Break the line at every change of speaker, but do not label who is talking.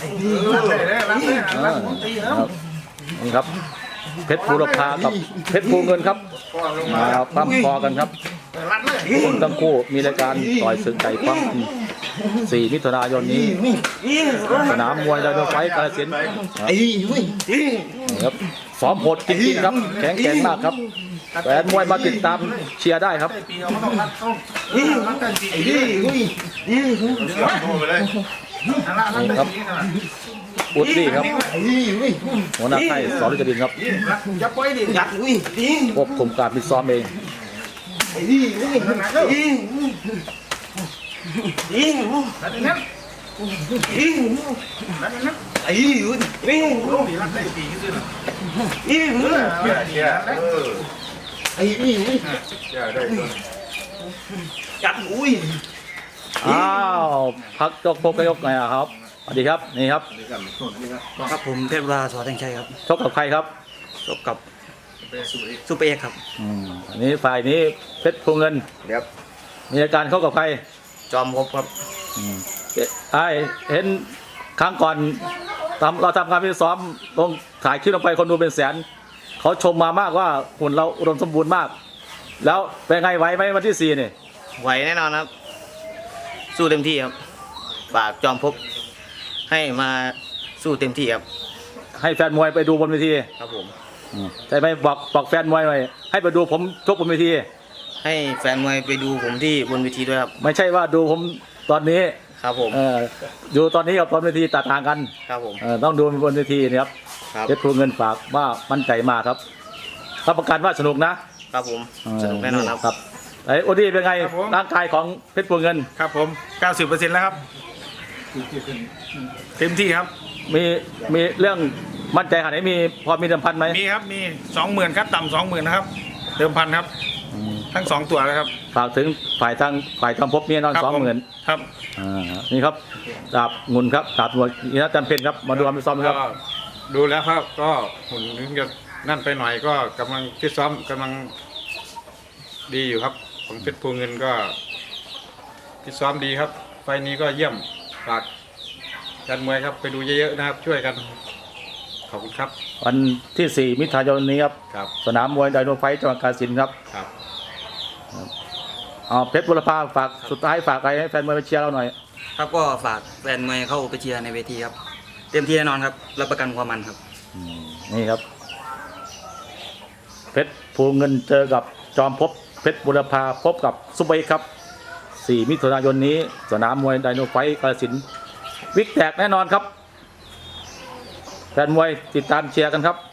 นี่ครับเพชรภูรพากับเพชรภูเงินครับมาปั้มคอกันครับทั้งคู่มีรายการต่อยศึกไก่ปั้ม4 มิถุนายนนี้สนามมวยไดโนไฟท์กาฬสินธุ์ครับซ้อมโหดจริงๆครับแข็งแกร่งมากครับแฟนมวยมาติดตามเชียร์ได้ครับนี่ครับอุดดี้ครับหัวหน้าค่ายสอนฤจดินครับควบคุมการฟิตซ้อมเองอ้าวพักยกพกยกไงครับสวัสดีครับนี่ครับ
ครับผมเพชรบุราสวัสดิ์ชัยครับ
ชกกับใครครับ
ชกกับซูเปอร์เอกครับ
อันนี้ฝ่ายนี้เพชรภูเงิน
ครับ
มีอาการเข้ากับใคร
จอมพบครับ
ไอเห็นครั้งก่อนเราทำการฟิตซ้อมลงถ่ายคลิปลงไปคนดูเป็นแสนเขาชมมามากว่าหุ่นเราอุดมสมบูรณ์มากแล้วเป็นไงไหวไหมวันที่4นี่
ไหวแน่นอนครับสู้เต็มที่ครับฝากจอมพบให้มาสู้เต็มที่ครับ
ให้แฟนมวยไปดูบนเวที
ครับผม
ใช่ไหมบอกแฟนมวยหน่อยให้ไปดูผมชกบนเวที
ให้แฟนมวยไปดูผมที่บนเวทีด้วยครับ
ไม่ใช่ว่าดูผมตอนนี้
ครับผม
ดูตอนนี้กับบนเวทีต่างกัน
ครับผม
ต้องดูบนเวทีนะครับเพชรภูเงินฝากว่ามั่นใจมากครับรับประกันว่าสนุกนะครับ
ผมสนุกแน่นอน
ครับไอ้โอดี้เป็นไงร่างกายของเพชรภูเงิน
ครับผม 90% แล้วครับเต็มที่ครับ
มีเรื่องมั่นใจขนาดไหนมีพอมีเดิมพันไหม
มีครับมี 20,000ครับต่ำ20,000นะครับเดิมพันครับทั้ง2ตัวเลยครับ
ฝากถึงฝ่ายทำพบมีนอน20,000
ครับ
นี่ครับดาบงุนครับดาบหนวดอินทร์จันทร์เพ็ญครับมาดูการฟิตซ้อมครับ
ดูแล้วครับก็หุ่นถึงจะนั่นไปหน่อยก็กำลังฟิตซ้อมกำลังดีอยู่ครับของเพชรภูเงินก็ฟิตซ้อมดีครับไฟนี้ก็เยี่ยมฝากการมวยครับไปดูเยอะๆนะครับช่วยกันขอบคุณครับ
วันที่4 มิถุนายนนี้ครับสนามมวยไดโนไฟท์จังหวัดกาฬสินธุ์ครับเพชรบุรพาฝากสุดท้ายฝากอะไรให้แฟนมวยไปเชียร์เราหน่อย
ครับก็ฝากแฟนมวยเข้าไปเชียร์ในเวทีครับเต็มที่แน่นอนครับรับประกันความมันครับ
นี่ครับเพชรภูเงินเจอกับจอมพบเพชรบุรพาพบกับซุปเปอร์ครับ4 มิถุนายนนี้สนามมวยไดโนไฟท์กาฬสินธุ์วิกแตกแน่นอนครับแฟนมวยติดตามเชียร์กันครับ